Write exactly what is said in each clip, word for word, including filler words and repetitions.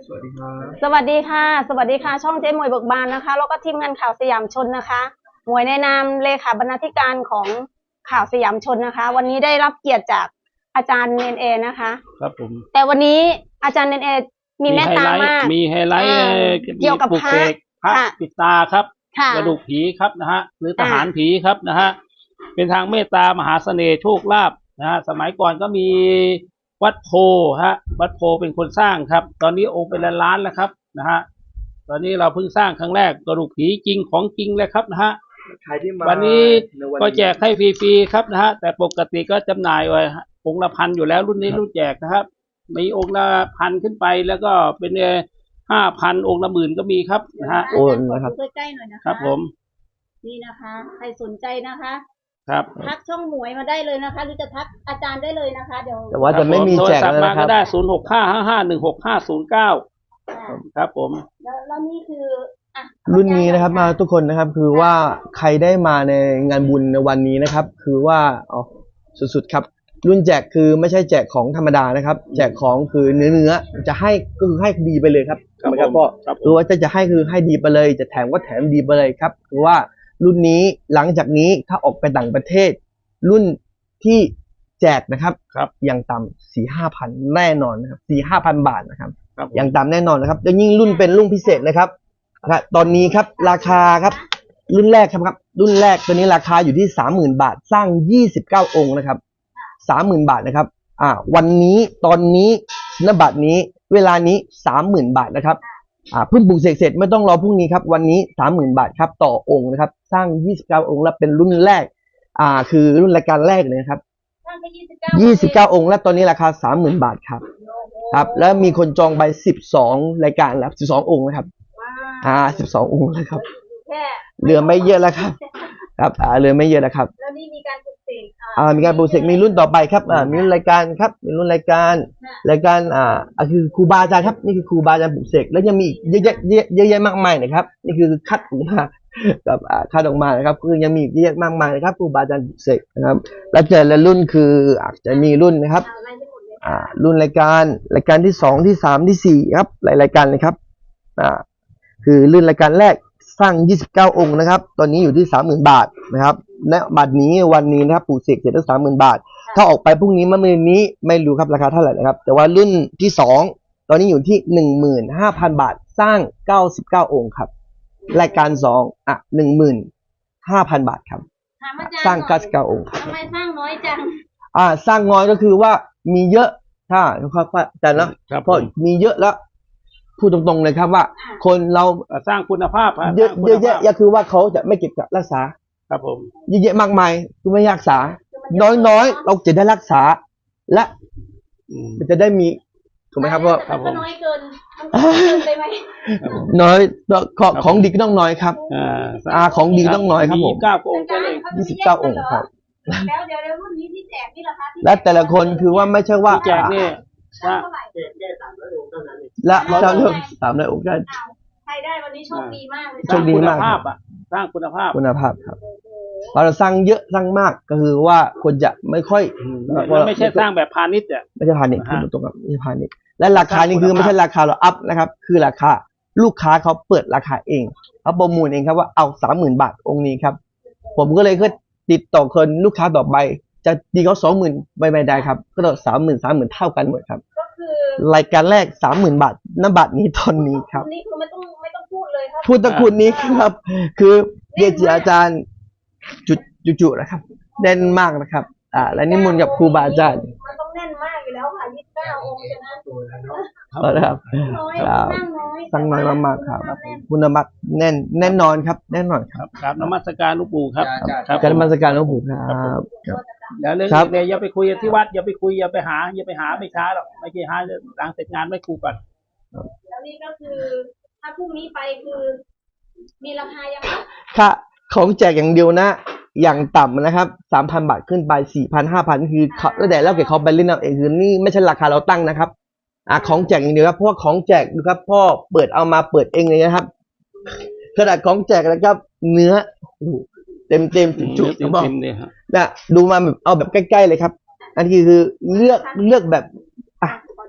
สวัสดีครับสวัสดีค่ะสวัสดีค่ะช่องเจ๊มวยเบิกบานนะคะแล้วก็ทีมงานข่าวสยามชนนะคะหมวยในนามเลขาบรรณาธิการของข่าวสยามชนนะคะวันนี้ได้รับเกียรติจากอาจารย์เนนเอนะคะครับผมแต่วันนี้อาจารย์เนนเอมีเมตตามากมีไฮไลท์เกี่ยวกับพระพระปิดตาครับกระดูกผีครับนะฮะหรือทหารผีครับนะฮะเป็นทางเมตตามหาเสน่ห์โชคลาภนะฮะสมัยก่อนก็มีวัดโพฮะวัดโพเป็นคนสร้างครับตอนนี้องค์เป็นล้านๆแล้วครับนะฮะตอนนี้เราเพิ่งสร้างครั้งแรกกระดูกผีจริงของจริงเลยครับนะฮะวันนี้ก็แจกให้ฟรีๆครับนะฮะแต่ปกติก็จำหน่ายไว้องค์ละพันอยู่แล้วรุ่นนี้รุ่นแจกนะครับมีองค์ละพันขึ้นไปแล้วก็เป็นห้าพันองค์ละหมื่นก็มีครับนะฮะโอ้นะครับใกล้ๆหน่อยนะคะครับผมนี่นะคะใครสนใจนะคะครับทักช่องหมวยมาได้เลยนะคะหรือจะทักอาจารย์ได้เลยนะคะเดี๋ยวแต่ว่าจะไม่มีแจกแล้วนะครับก็ได้ศูนย์หกห้าห้าห้าหนึ่งหกห้าศูนย์เก้าครับผมแล้วแล้วนี่คือรุ่นนี้นะครับมาทุกคนนะครับคือว่าใครได้มาในงานบุญในวันนี้นะครับคือว่าอ๋อสุดๆครับรุ่นแจกคือไม่ใช่แจกของธรรมดานะครับแจกของคือเนื้อเนื้อจะให้ก็คือให้ดีไปเลยครับครับก็คือว่าจะจะให้คือให้ดีไปเลยจะแถมก็แถมดีไปเลยครับคือว่ารุ่นนี้หลังจากนี้ถ้าออกไปต่างประเทศรุ่นที่แจกนะครับครับอย่างต่ำสี่ห้าพันแน่นอนนะครับสี่ห้าพันบาทนะครับอย่างต่ำแน่นอนนะครับแล้วยิ่งรุ่นเป็นรุ่นพิเศษนะครับตอนนี้ครับราคาครับรุ่นแรกครับครับรุ่นแรกตัวนี้ราคาอยู่ที่สามหมื่นบาทสร้างยี่สิบเก้าองค์นะครับสามหมื่นบาทนะครับอ่าวันนี้ตอนนี้ณบัดนี้เวลานี้สามหมื่นบาทนะครับอ่าเพิ่งปลูกเสร็จเสร็จไม่ต้องรอพรุ่งนี้ครับวันนี้สามหมื่นบาทครับต่อองค์นะครับสร้างยี่สิบเก้าองค์และเป็นรุ่นแรกอ่าคือรุ่นรายการแรกเลยครับยี่สิบเก้าองค์และตอนนี้ราคาสามหมื่นบาทครับครับแล้วมีคนจองไปสิบสองรายการแล้วสิบสององค์นะครับอ่าสิบสององค์เลยครับเหลือไม่เยอะแล้วครับครับอ่าเหลือไม่เยอะแล้วครับแล้วนี่มีการปลูกเสกอ่ามีการปลูกเสกมีรุ่นต่อไปครับอ่ามีรุ่นรายการครับมีรุ่นรายการรายการอ่าคือครูบาอาจารย์ครับนี่คือครูบาอาจารย์ปลูกเสกแล้วยังมีเยอะแยะเยอะแยะมากมายนะครับนี่คือคัดออกมากับอ่าคัดออกมานะครับคือยังมีเยอะแยะมากมายนะครับครูบาอาจารย์ปลูกเสกนะครับแล้วเจอและรุ่นคืออาจจะมีรุ่นนะครับอ่ารุ่นรายการรายการที่สองที่สามที่สี่ครับหลายรายการเลยครับอ่าคือรุ่นรายการแรกสร้างยี่สิบเก้าองค์นะครับตอนนี้อยู่ที่ สามหมื่น บาทนะครับณบัดนี้วันนี้นะครับปลูกเสกเสร็จได้ สามหมื่น บาทถ้าออกไปพรุ่งนี้เมื่อมื้อนี้ไม่รู้ครับราคาเท่าไหร่นะครับแต่ว่ารุ่นที่สองตอนนี้อยู่ที่ หนึ่งหมื่นห้าพัน บาทสร้างเก้าสิบเก้าองค์ครับรายการสองอ่ะ หนึ่งหมื่นห้าพัน บาทครับสร้างเก้าสิบเก้าองค์ทำไมสร้างน้อยจังอ่าสร้างน้อยก็คือว่ามีเยอะถ้าครับแต่นะเพราะมีเยอะแล้วพูดตรงๆเลยครับว่าคนเราสร้างคุณภาพเยอะเยอะแยะคือว่าเขาจะไม่เก็บรักษาครับผมเยอะๆมากมายคือไม่รักษาน้อยๆเราจะได้รักษาและมันจะได้มีถูกไหมครับเพราะน้อยเกินมันเกินไปไหมน้อยของดีก็ต้องน้อยครับอ่าของดีต้องน้อยครับผมยี่สิบเก้าองค์ก็เลยยี่สิบเก้าองค์ครับแล้วเดี๋ยวรุ่นนี้ที่แจกนี่ราคาและแต่ละคนคือว่าไม่ใช่ว่าแจกนี่ว่าและเราเลือกสามร้อยองค์ได้ใครได้วันนี้โชคดีมากเลยโชคดีมากสร้างคุณภาพคุณภาพครับเราสร้างเยอะสร้างมากก็คือว่าคนจะไม่ค่อยไม่ใช่สร้างแบบพาณิชย์อ่ะไม่ใช่พาณิชย์คือตรงกับไม่ใช่พาณิชย์และราคานี่คือไม่ใช่ราคาเราอัพนะครับคือราคาลูกค้าเขาเปิดราคาเองเขาประมูลเองครับว่าเอาสามหมื่นบาทองค์นี้ครับผมก็เลยก็ติดต่อคนลูกค้าต่อไปจะดีเขาสองหมื่นไม่ไม่ได้ครับก็ต้องสามหมื่นสามหมื่นเท่ากันหมดครับก็คือรายการแรกสามหมื่นบาทณบัตรนี้ตอนนี้ครับนี่คือไม่ต้องไม่ต้องพูดเลยครับพูดตะคุณนี้ครับคือเกจิอาจารย์จุจุๆนะครับแน่นมากนะครับอ่าและนิมนต์กับครูบาอาจารย์มันต้องแน่นมากอยู่แล้วค่ะยี่สิบเก้าองค์ใช่ไหมครับครับตั้งน้อยมากๆครับคุณธรรมแน่นแน่นนอนครับแน่นอนครับครับนมัสการหลวงปู่ครับการนมัสการหลวงปู่ครับแล้วเรื่องเนี่ยอย่าไปคุยที่วัดอย่าไปคุยอย่าไปหาอย่าไปหาไม่ช้าหรอกไม่ใช่หาหลังเสร็จงานไม่คุยก่อนแล้วนี่ก็คือถ้าพรุ่งนี้ไปคือมีราคายังค่ะของแจกอย่างเดียวนะอย่างต่ำนะครับ สามพัน บาทขึ้นไป สี่พัน ห้าพัน คือแล้วแต่แล้วเก็บเขาไปเล่นเอาเองคือนี่ไม่ใช่ราคาเราตั้งนะครับอ่ะของแจกอย่างเดียวครับเพราะว่าของแจกดูครับพ่อเปิดเอามาเปิดเองเลยนะครับขนาดของแจกนะครับเนื้อเต็มเต็มจุดๆบอกนะดูมาแบบเอาแบบใกล้ๆเลยครับอันนี้คือเลือกเลือกแบบอ่ะ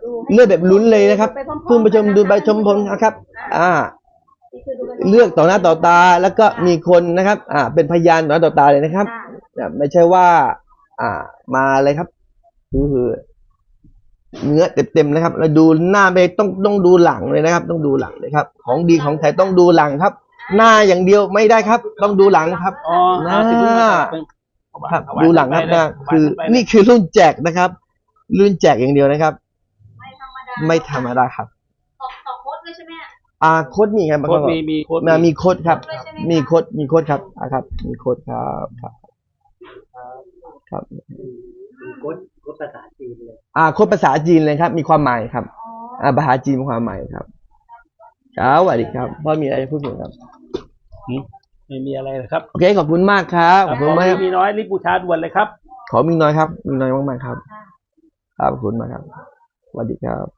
เลือกแบบลุ้นเลยนะครับเพิ่งไปชมดูใบชมผมนะครับ อ่า เลือกต่อหน้าต่อตาแล้วก็มีคนนะครับ อ่า เป็นพยานต่อหน้าต่อตาเลยนะครับไม่ใช่ว่า อ่า มาเลยครับคือเนื้อเต็มๆนะครับแล้วดูหน้าไปต้องต้องดูหลังเลยนะครับ ต้องดูหลังเลยครับ ของดีของแท้ต้องดูหลังครับ หน้าอย่างเดียวไม่ได้ครับ ต้องดูหลังครับอ๋อหน้าสิบลูกนะครับครับดูหลังครับนะคือนี่คือรุ่นแจกนะครับ รุ่นแจกอย่างเดียวนะครับ ไม่ธรรมดาครับต่อโค้ดด้วยใช่ไหมอ่าโค้ดมีครับโค้ดมีมีโค้ดมีโค้ดครับ มีโค้ดมีโค้ดครับอ่าครับ มีโค้ดครับครับครับโค้ดโค้ดภาษาจีนเลยอ่าโค้ดภาษาจีนเลยครับ มีความหมายครับ อ่าภาษาจีนมีความหมายครับครับสวัสดีครับพ่อมีอะไรจะพูดถึงครับไม่มีอะไรเลยครับโอเคขอบคุณมากครับขอบคุณมากครับมีน้อยรีบบูชาด่วนเลยครับขอมีน้อยครับ มีน้อยมากๆครับครับขอบคุณมากครับสวัสดีครับ